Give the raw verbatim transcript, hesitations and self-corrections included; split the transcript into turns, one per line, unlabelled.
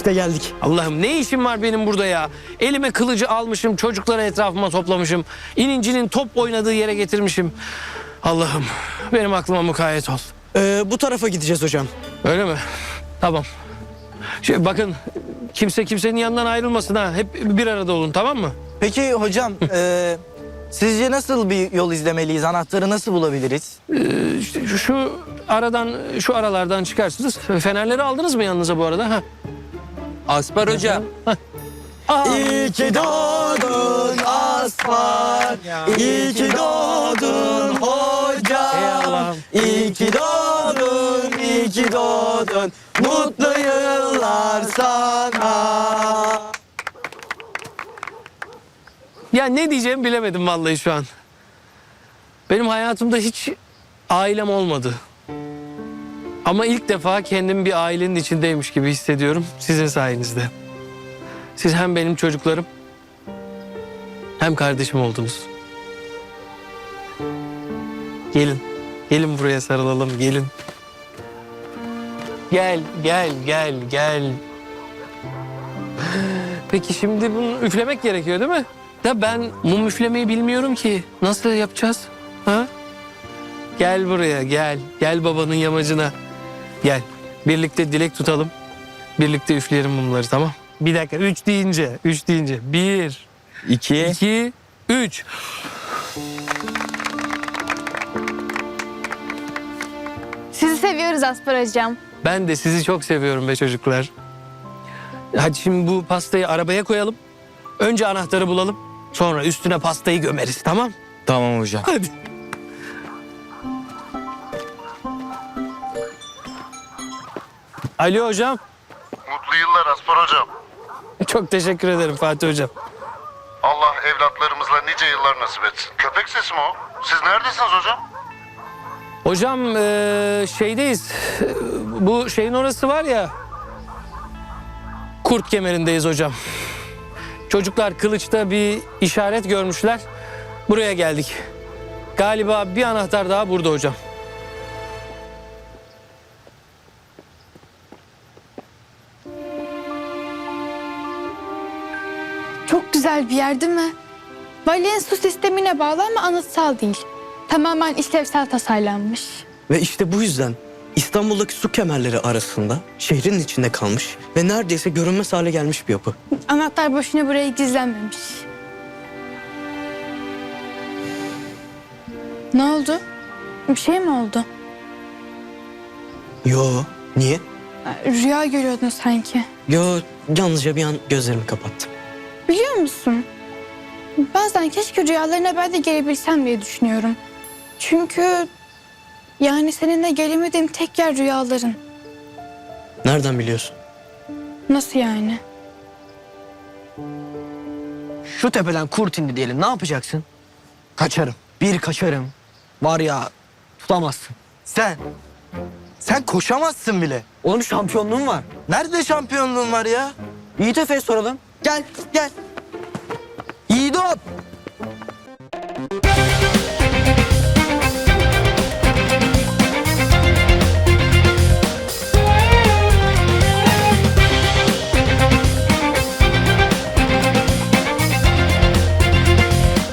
İşte geldik.
Allah'ım ne işim var benim burada ya? Elime kılıcı almışım, çocukları etrafıma toplamışım. İnincinin top oynadığı yere getirmişim. Allah'ım benim aklıma mukayyet ol.
Ee, bu tarafa gideceğiz hocam.
Öyle mi? Tamam. Şey, bakın kimse kimsenin yanından ayrılmasın ha. Hep bir arada olun, tamam mı?
Peki hocam, e, sizce nasıl bir yol izlemeliyiz? Anahtarı nasıl bulabiliriz?
Ee, işte şu, şu aradan, şu aralardan çıkarsınız. Fenerleri aldınız mı yanınıza bu arada? Ha.
Aspar Hoca.
İyi ki doğdun Aspar, iyi ki doğdun hocam.
Eyvallah.
İyi ki doğdun, iyi ki doğdun, mutlu yıllar sana.
Ya ne diyeceğimi bilemedim vallahi şu an. Benim hayatımda hiç ailem olmadı. Ama ilk defa kendimi bir ailenin içindeymiş gibi hissediyorum sizin sayenizde. Siz hem benim çocuklarım hem kardeşim oldunuz. Gelin, gelin buraya sarılalım, gelin. Gel, gel, gel, gel. Peki şimdi bunu üflemek gerekiyor değil mi? Ya ben mum üflemeyi bilmiyorum ki. Nasıl yapacağız? Ha? Gel buraya, gel. Gel babanın yamacına. Gel. Birlikte dilek tutalım. Birlikte üfleyelim mumları, tamam? Bir dakika, üç deyince, üç deyince. Bir,
İki.
iki, üç.
Sizi seviyoruz Aspar Hocam.
Ben de sizi çok seviyorum be çocuklar. Hadi şimdi bu pastayı arabaya koyalım. Önce anahtarı bulalım. Sonra üstüne pastayı gömeriz, tamam?
Tamam hocam.
Hadi. Alo hocam.
Mutlu yıllar Aspar Hocam.
Çok teşekkür ederim Fatih hocam.
Allah evlatlarımızla nice yıllar nasip etsin. Köpek sesi mi o? Siz neredesiniz hocam?
Hocam eee, şeydeyiz. Bu şeyin orası var ya. Kurt kemerindeyiz hocam. Çocuklar kılıçta bir işaret görmüşler. Buraya geldik. Galiba bir anahtar daha burada hocam.
Çok güzel bir yer değil mi? Valyen su sistemine bağlı ama anıtsal değil. Tamamen işlevsel tasarlanmış.
Ve işte bu yüzden İstanbul'daki su kemerleri arasında şehrin içinde kalmış ve neredeyse görünmez hale gelmiş bir yapı.
Anahtar boşuna buraya gizlenmemiş. Ne oldu? Bir şey mi oldu?
Yo, niye?
Rüya görüyordun sanki.
Yo, yalnızca bir an gözlerimi kapattım.
Biliyor musun? Bazen keşke rüyalarına ben de gelebilsem diye düşünüyorum. Çünkü yani seninle gelemediğim tek yer rüyaların.
Nereden biliyorsun?
Nasıl yani?
Şu tepeden kurt indi diyelim, ne yapacaksın? Kaçarım. Bir kaçarım. Var ya, tutamazsın.
Sen, sen koşamazsın bile.
Onun şampiyonluğum var.
Nerede şampiyonluğun var ya?
Yiğit Efe'ye soralım.
Gel, gel.
Yiğidop!